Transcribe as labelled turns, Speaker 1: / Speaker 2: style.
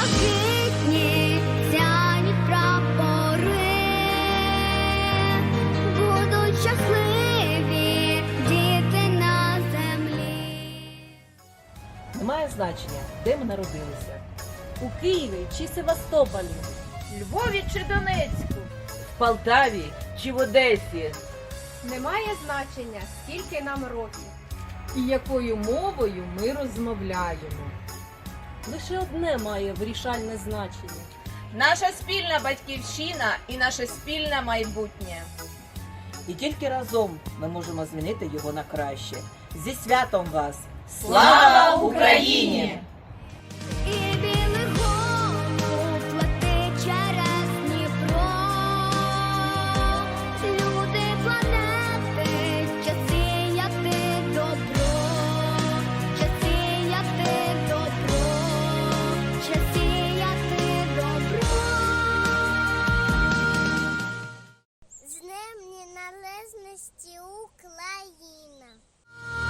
Speaker 1: блакитні сяють прапори, будуть щасливі діти на землі.
Speaker 2: Немає значення, де ми народилися. У Києві чи Севастополі,
Speaker 3: Львові чи Донецьку.
Speaker 2: в Полтаві чи в Одесі.
Speaker 3: Немає значення, скільки нам років.
Speaker 4: І якою мовою ми розмовляємо.
Speaker 2: Лише одне має вирішальне значення.
Speaker 5: Наша спільна батьківщина і наше спільне майбутнє.
Speaker 6: І тільки разом ми можемо змінити його на краще. Зі святом вас!
Speaker 5: Слава Україні!
Speaker 1: І білий голуб летить через Дніпро. Люди планети, час сіяти добро, час сіяти добро, час сіяти добро.
Speaker 7: З Днем Незалежності Україна!